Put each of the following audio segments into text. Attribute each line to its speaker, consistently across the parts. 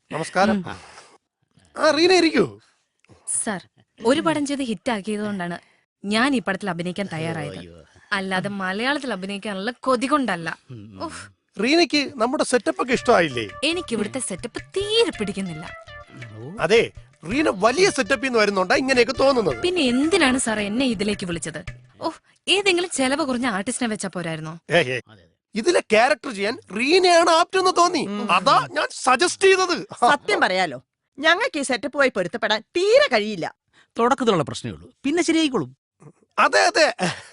Speaker 1: നമസ്കാരം. റീന ഇരിക്കൂ.
Speaker 2: സർ, ഒരു പടം ചെയ്ത് ഹിറ്റ് ആക്കിയതുകൊണ്ടാണ് ഞാൻ ഈ പടത്തിൽ അഭിനയിക്കാൻ തയ്യാറായത്. അല്ലാതെ മലയാളത്തിൽ അഭിനയിക്കാനുള്ള കൊതി കൊണ്ടല്ല.
Speaker 1: റീനയ്ക്ക് നമ്മുടെ സെറ്റപ്പ് ഒക്കെ ഇഷ്ടമായില്ലേ?
Speaker 2: എനിക്ക് ഇവിടുത്തെ സെറ്റപ്പ് തീരെ പിടിക്കുന്നില്ല.
Speaker 1: അതെ, റീന വലിയ സെറ്റപ്പിൽ നിന്ന് വരുന്നുണ്ടാ ഇങ്ങനെയൊക്കെ തോന്നുന്നത്.
Speaker 2: പിന്നെ എന്തിനാണ് സാർ എന്നെ ഇതിലേക്ക് വിളിച്ചത്? ഏതെങ്കിലും ചെലവ് കുറഞ്ഞ ആർട്ടിസ്റ്റിനെ വെച്ചാ പോരായിരുന്നോ?
Speaker 1: ഇതിലെ ക്യാരക്ടർ ചെയ്യാൻ റീനയാണ് ആപ്റ്റ് എന്ന് തോന്നി, അതാ ഞാൻ സജസ്റ്റ് ചെയ്തത്.
Speaker 3: സത്യം പറയാലോ, ഞങ്ങൾക്ക് ഈ സെറ്റപ്പ് പോയി പൊരുത്തപ്പെടാൻ തീരെ കഴിയില്ല.
Speaker 4: തുടക്കത്തിലുള്ള പ്രശ്നമേ ഉള്ളൂ, പിന്നെ ശരിയായിക്കോളും.
Speaker 1: അതെ അതെ.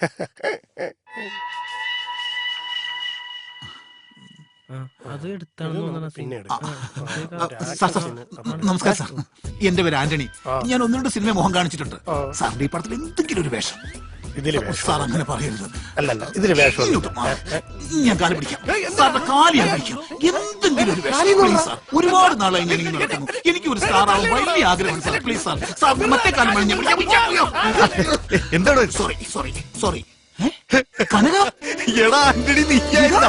Speaker 5: നമസ്കാരം സാർ, എന്റെ പേര് ആന്റണി. ഞാൻ ഒന്ന് രണ്ട് സിനിമ മുഖം കാണിച്ചിട്ടുണ്ട്. സാറിന്റെ ഈ പടത്തിൽ എന്തെങ്കിലും ഒരു വേഷം. സാർ അങ്ങനെ പറയരുത്.
Speaker 1: അല്ലല്ല, ഇതില് വേഷം
Speaker 5: ഞാൻ കാല് പിടിക്കാം. സാറിന്റെ കാല് ഞാൻ പിടിക്കാം. എന്തെങ്കിലും ഒരു വേഷം പ്ലീസ് സാർ. ഒരുപാട് നാളായി ഞാൻ ഇങ്ങനെ നടക്കുന്നു. എനിക്ക് ഒരു സ്റ്റാർ ആവാൻ വലിയ ആഗ്രഹമാണ് സാർ. Please sir. സാർ മറ്റേ കാലം ഞാൻ എന്താണ്? Sorry sorry sorry. കനക,
Speaker 1: എടാ ആന്റണി, നീയായിരുന്നാ?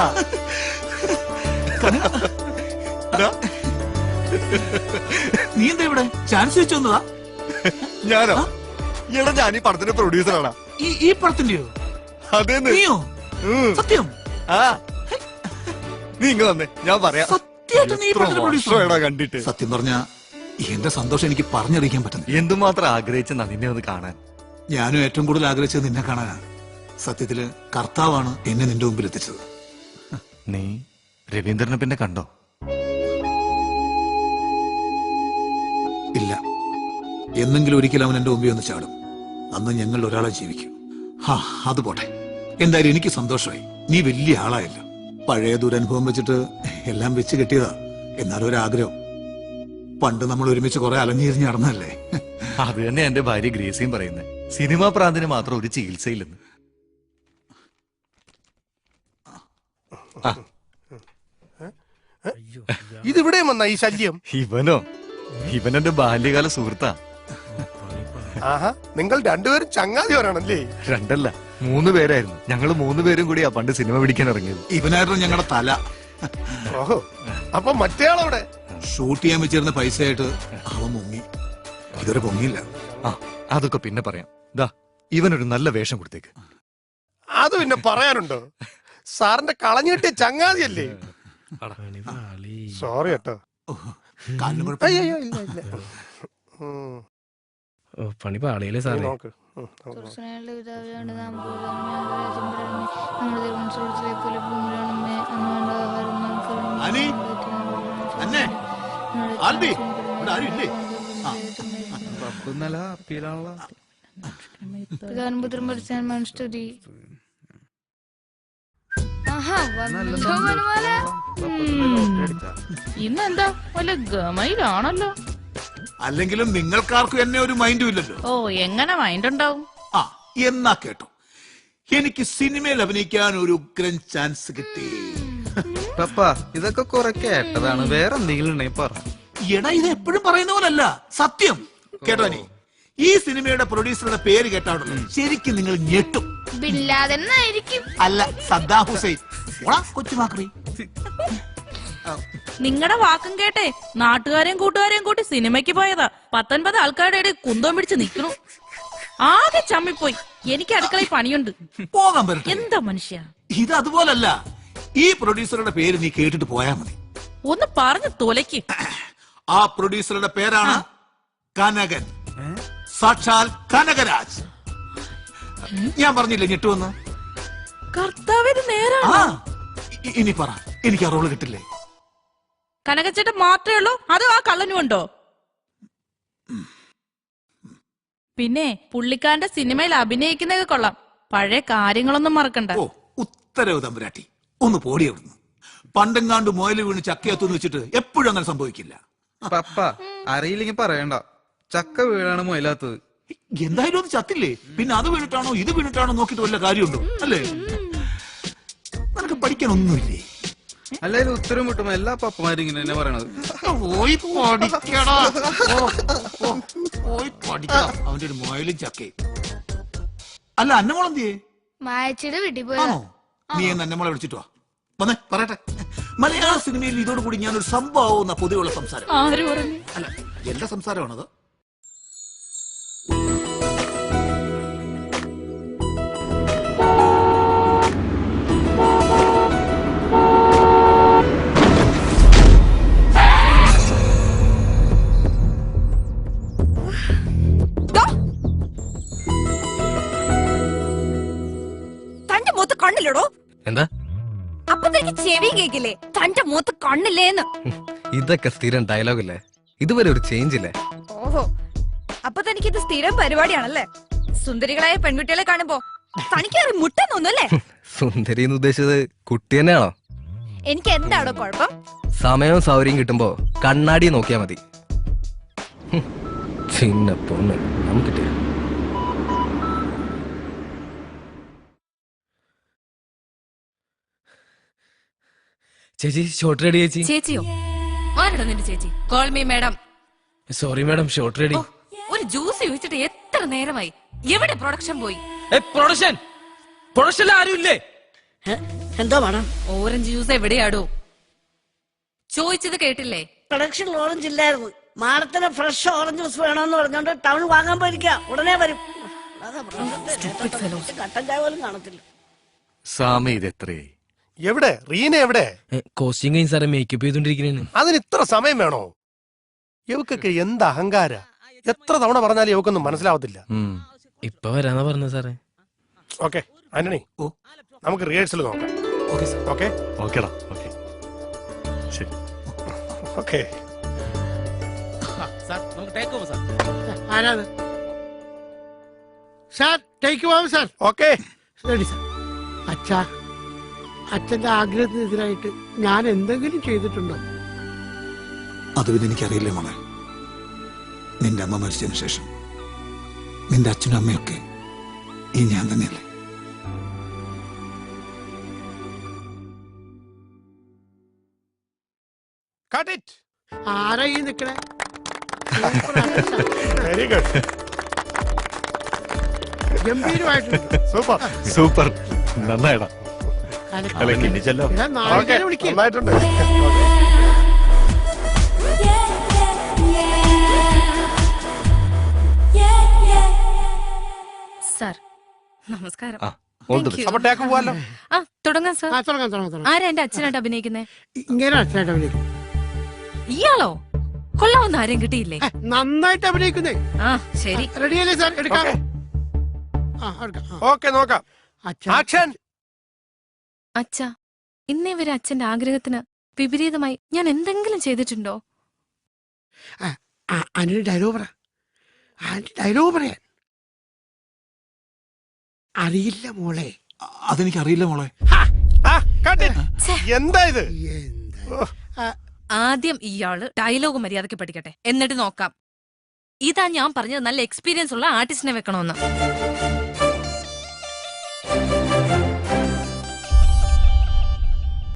Speaker 5: നീ എന്താ ഇവിടെ ചാൻസ് വെച്ചു വന്നതാ?
Speaker 1: ഞാനോ? എടാ, ഞാൻ ഈ പടത്തിന്റെ പ്രൊഡ്യൂസറാണ്.
Speaker 5: ഈ പടത്തിന്റെയോ?
Speaker 1: അതെ.
Speaker 5: നീയോ? സത്യം?
Speaker 1: നീ ഇങ്ങ് വന്നേ, ഞാൻ പറയാം.
Speaker 5: സത്യമായിട്ട് നീ പടത്തിന്റെ പ്രൊഡ്യൂസറാ?
Speaker 1: കണ്ടിട്ട്
Speaker 5: സത്യം പറഞ്ഞാ എന്റെ സന്തോഷം എനിക്ക് പറഞ്ഞറിയിക്കാൻ പറ്റുന്നു.
Speaker 1: എന്തുമാത്രം ആഗ്രഹിച്ചെന്നാ നിന്നെ ഒന്ന് കാണാൻ.
Speaker 5: ഞാനും ഏറ്റവും കൂടുതൽ ആഗ്രഹിച്ചത് നിന്നെ കാണാനാണ്. സത്യത്തില് കർത്താവാണ് എന്നെ നിന്റെ മുമ്പിൽ എത്തിച്ചത്.
Speaker 1: നീ രവീന്ദ്രനെ പിന്നെ കണ്ടോ?
Speaker 5: ഇല്ല. എന്നെങ്കിലും ഒരിക്കലും അവൻ എന്റെ മുമ്പിൽ ഒന്ന് ചാടും. അന്ന് ഞങ്ങൾ ഒരാളെ ജീവിക്കും. അത് പോട്ടെ. എന്തായാലും എനിക്ക് സന്തോഷമായി. നീ വലിയ ആളായല്ലോ. പഴയ ദുരനുഭവം വെച്ചിട്ട് എല്ലാം വെച്ച് കെട്ടിയതാ. എന്നാലും ഒരാഗ്രഹം. പണ്ട് നമ്മൾ ഒരുമിച്ച് കുറെ അലഞ്ഞിരിഞ്ഞ് നടന്നല്ലേ.
Speaker 1: അത് തന്നെ എന്റെ ഭാര്യ ഗ്രേസിയും പറയുന്നത്. സിനിമാ പ്രാന്തിന് മാത്രം ഒരു ചികിത്സയില്ലെന്ന്. ഇതിവിടെ വന്ന ഈ ശല്യം. ഇവനെന്റെ ബാല്യകാല സുഹൃത്താ. നിങ്ങൾ രണ്ടുപേരും ചങ്ങാതിവരാണല്ലേ? രണ്ടല്ല, 3 പേരായിരുന്നു. ഞങ്ങൾ 3 പേരും കൂടിയാ പണ്ട് സിനിമ പിടിക്കാൻ ഇറങ്ങിയത്.
Speaker 5: ഇവനായിരുന്നു ഞങ്ങളുടെ തല.
Speaker 1: ഓഹോ, അപ്പൊ മറ്റേയാളവിടെ
Speaker 5: ഷൂട്ട് ചെയ്യാൻ വെച്ചിരുന്ന പൈസയായിട്ട് അവൻ മുങ്ങി. ഇതുവരെ പൊങ്ങിയില്ല.
Speaker 1: അതൊക്കെ പിന്നെ പറയാം. ദാ, ഇവനൊരു നല്ല വേഷം കൊടുത്തേക്ക്. അത് പിന്നെ പറയാനുണ്ടോ? സാറിന്റെ കളഞ്ഞിട്ടിയ ചങ്ങാതിയല്ലേ? സോറി കേട്ടോ.
Speaker 4: പണി പാളിയല്ലേ സാറേ?
Speaker 6: ഇന്നെന്താ വല്ല ഗമയിലാണല്ലോ.
Speaker 5: അല്ലെങ്കിലും നിങ്ങൾക്കാർക്കും എന്നെ ഒരു മൈൻഡും ഇല്ലല്ലോ.
Speaker 6: എങ്ങനെ മൈൻഡ് ഉണ്ടാവും?
Speaker 5: എന്നാ കേട്ടോ, എനിക്ക് സിനിമയിൽ അഭിനയിക്കാൻ ഒരു ഉഗ്രൻ ചാൻസ് കിട്ടി.
Speaker 7: ഇതൊക്കെ കുറെ കേട്ടതാണ്, വേറെ എന്തെങ്കിലും പറ.
Speaker 5: എടാ, ഇത് എപ്പോഴും പറയുന്ന പോലല്ല, സത്യം കേട്ടോ. നീ ഈ സിനിമയുടെ പ്രൊഡ്യൂസറുടെ പേര് കേട്ടാണല്ലോ ശരിക്കും നിങ്ങൾ ഞെട്ടും. അല്ല, സദ്ദാം ഹുസൈൻ. കൊച്ചുമാക്രി.
Speaker 6: നിങ്ങളുടെ വാക്കും കേട്ടെ നാട്ടുകാരെയും കൂട്ടുകാരെയും കൂട്ടി സിനിമയ്ക്ക് പോയതാ. 19 ആൾക്കാരുടെ ഇടയിൽ കുന്തം പിടിച്ച് നിൽക്കണു. ആകെ ചമ്മിപ്പോയി. എനിക്ക് അടുക്കളയിൽ പണിയുണ്ട്.
Speaker 5: പോകാൻ പറ്റും.
Speaker 6: എന്താ മനുഷ്യ
Speaker 5: ഇത്? അതുപോലല്ല, ഈ പ്രൊഡ്യൂസറുടെ പേര് നീ കേട്ടിട്ട് പോയാ മതി.
Speaker 6: ഒന്ന് പറഞ്ഞു തൊലയ്ക്ക്.
Speaker 5: ആ പ്രൊഡ്യൂസറുടെ പേരാണ് കനകൻ. സാക്ഷാൽ കനകരാജ്. ഞാൻ പറഞ്ഞില്ലേ ഞെട്ടുവന്ന്?
Speaker 6: കർത്താവിന് നേരാണ്.
Speaker 5: ഇനി പറ, എനിക്ക് ആ റോള് കിട്ടില്ലേ?
Speaker 6: കനകച്ചേട്ടൻ മാത്രമേ ഉള്ളൂ, അതോ ആ കള്ളനും ഉണ്ടോ? പിന്നെ പുള്ളിക്കാരന്റെ സിനിമയിൽ അഭിനയിക്കുന്നതൊക്കെ കൊള്ളാം. പഴയ കാര്യങ്ങളൊന്നും മറക്കണ്ട.
Speaker 5: ഉത്തരവ് തമ്പുരാട്ടി, ഒന്ന് പോടി അവിടുന്ന്. പണ്ടെങ്ങാണ്ട് മുയല് വീണ് ചക്കയത്തുന്ന് വെച്ചിട്ട് എപ്പോഴും അങ്ങനെ സംഭവിക്കില്ല.
Speaker 7: പപ്പ അറിയില്ലെങ്കിൽ പറയണ്ട, ചക്ക വീഴാണ് മുയലാത്തത്.
Speaker 5: എന്തായാലും അത് ചത്തില്ലേ, പിന്നെ അത് വീണിട്ടാണോ ഇത് വീണിട്ടാണോ നോക്കിട്ട് വല്ല കാര്യമുണ്ടോ? അല്ലേ? നിനക്ക് പഠിക്കാനൊന്നുമില്ലേ?
Speaker 7: അല്ലായാലും ഉത്തരം കിട്ടുമ്പോ എല്ലാ പപ്പമാരും ഇങ്ങനെ തന്നെ പറയണത്.
Speaker 5: അവന്റെ ഒരു മുയലും ചക്കയും. അല്ല, അന്നമോളെന്തിയേ?
Speaker 8: മായച്ചിയുടെ വീട്ടിൽ പോയാണോ?
Speaker 5: നീ എന്ന് അന്നമോളെ വിളിച്ചിട്ട് വാ. വന്നേ പറയട്ടെ. മലയാള സിനിമയിൽ ഇതോടുകൂടി ഞാനൊരു സംഭവം പൊതുവെയുള്ള സംസാരം.
Speaker 6: ആര് പറഞ്ഞു?
Speaker 5: അല്ല, എന്റെ സംസാരമാണത്.
Speaker 2: തന്റെ മൂത്ത് കണ്ണില്ലടോ.
Speaker 8: എന്താ
Speaker 2: അപ്പൊ തനിക്ക് ചെവി കേക്കില്ലേ? തന്റെ മൂത്ത് കണ്ണില്ലേന്ന്.
Speaker 8: ഇതൊക്കെ സ്ഥിരം ഡയലോഗല്ലേ, ഇതുവരെ ഒരു ചേഞ്ച് ഇല്ലേ?
Speaker 2: ഓഹോ, അപ്പൊ തനിക്ക് ഇത് സ്ഥിരം പരിപാടിയാണല്ലേ? സുന്ദരികളായ പെൺകുട്ടികളെ കാണുമ്പോ തനിക്ക് മുട്ടെന്നൊന്നുമല്ലേ?
Speaker 8: സുന്ദരി എന്ന് ഉദ്ദേശിച്ചത് കുട്ടി തന്നെയാണോ?
Speaker 2: എനിക്ക് എന്താണോ കുഴപ്പം?
Speaker 8: സമയവും സൗകര്യം കിട്ടുമ്പോ കണ്ണാടി നോക്കിയാ മതി. ചിന്ന പൊണ്ണ് നമുക്കിട്ടേ.
Speaker 4: ചേച്ചി ഷോർട്ട് റെഡി ചേച്ചി.
Speaker 2: ചേച്ചിയോ? ആരുടെ നിന്റെ ചേച്ചി? Call me madam.
Speaker 4: Sorry madam, shot ready.
Speaker 2: ഒരു ജ്യൂസ് ചോദിച്ചിട്ട് എത്ര നേരമായി? എവിടെ പ്രൊഡക്ഷൻ പോയി?
Speaker 4: പ്രൊഡക്ഷൻ ആരും ഇല്ലേ?
Speaker 9: എന്തോ വേണം?
Speaker 2: ഓറഞ്ച് ജ്യൂസ് എവിടെയാടോ? ചോദിച്ചത് കേട്ടില്ലേ?
Speaker 9: പ്രൊഡക്ഷൻ ഓറഞ്ച് ഇല്ലായിരുന്നു. മാഡത്തിന് ഫ്രഷ് ഓറഞ്ച് ജ്യൂസ് വേണമെന്ന് പറഞ്ഞോണ്ട് ടൗൺ വാങ്ങാൻ പോയിരിക്ക. ഉടനെ വരും. കട്ടൻ ചായ പോലും കാണത്തില്ല.
Speaker 1: സ്വാമി ഇത് എത്രയായി? എവിടെ റീന? എവിടെ?
Speaker 4: കോസ്റ്റ്യൂം കഴിഞ്ഞ് സാറേ മേക്കപ്പ് ചെയ്തോണ്ടിരിക്കുന്നേ.
Speaker 1: അതിന് ഇത്ര സമയം വേണോ? ഇവക്കൊക്കെ എന്ത് അഹങ്കാര! എത്ര തവണ പറഞ്ഞാലും ഇവക്കൊന്നും മനസ്സിലാവത്തില്ല.
Speaker 4: ഇപ്പൊ വരാന്നാ പറഞ്ഞ സാറേ.
Speaker 1: ഓക്കെ ആന്റണി, നമുക്ക് റിഹേഴ്സൽ നോക്കാം.
Speaker 4: Okay sir.
Speaker 1: ഓക്കെ ഓക്കേടാ. ഓക്കെ ശരി. ഓക്കെ
Speaker 4: സാർ നമുക്ക് ടേക്ക് ഓവർ സാർ.
Speaker 10: ആരാത് സാർ? ടേക്ക് പോവാം സാർ.
Speaker 1: Okay
Speaker 10: ready sir. അച്ഛാ, അച്ഛന്റെ ആഗ്രഹത്തിനെതിരായിട്ട് ഞാൻ എന്തെങ്കിലും ചെയ്തിട്ടുണ്ടോ?
Speaker 5: അത് പിന്നെ എനിക്കറിയില്ല മോളെ. നിന്റെ അമ്മ മരിച്ചതിന് ശേഷം നിന്റെ അച്ഛനും അമ്മയൊക്കെ ഈ ഞാൻ തന്നെയല്ലേ?
Speaker 1: Cut it.
Speaker 10: ആരാ ഈ നിക്കണേ?
Speaker 1: Very good.
Speaker 10: ഗംഭീരമായിട്ടുണ്ട്.
Speaker 1: Super super. നന്നായിടാ.
Speaker 10: നാളെ വിളിക്കും.
Speaker 1: നന്നായിട്ടുണ്ട്.
Speaker 2: സാർ നമസ്കാരം.
Speaker 1: അപ്പൊ ടേക്ക് പോവാലോ.
Speaker 2: ആ തുടങ്ങാം സാർ.
Speaker 10: തുടങ്ങാം തുടങ്ങാം തുടങ്ങാം.
Speaker 2: ആരാ എന്റെ അച്ഛനായിട്ട് അഭിനയിക്കുന്നേ?
Speaker 10: ഇങ്ങനെ അച്ഛനായിട്ട് അഭിനയിക്കും.
Speaker 2: ഇയാളോ? കൊള്ളാവുന്ന ആരെയും കിട്ടിയില്ലേ?
Speaker 10: നന്നായിട്ട് അഭിനയിക്കുന്നേ.
Speaker 2: ആ ശരി.
Speaker 10: റെഡിയല്ലേ സാർ? എടുക്കാം.
Speaker 1: ഓക്കെ നോക്കാം. ആക്ഷൻ.
Speaker 2: അച്ഛാ, ഇന്നേ വരെ അച്ഛന്റെ ആഗ്രഹത്തിന് വിപരീതമായി ഞാൻ എന്തെങ്കിലും ചെയ്തിട്ടുണ്ടോ?
Speaker 10: അതിന് ഡയലോഗ് പറ. ഡയലോഗ് പറയാൻ അറിയില്ല മോളെ.
Speaker 5: അതെനിക്കറിയില്ല മോളെ.
Speaker 1: എന്താ ഇത്?
Speaker 2: ആദ്യം ഇയാള് ഡയലോഗ് മര്യാദയ്ക്ക് പഠിക്കട്ടെ, എന്നിട്ട് നോക്കാം. ഇതാ ഞാൻ പറഞ്ഞത്, നല്ല എക്സ്പീരിയൻസ് ഉള്ള ആർട്ടിസ്റ്റിനെ വെക്കണമെന്ന്.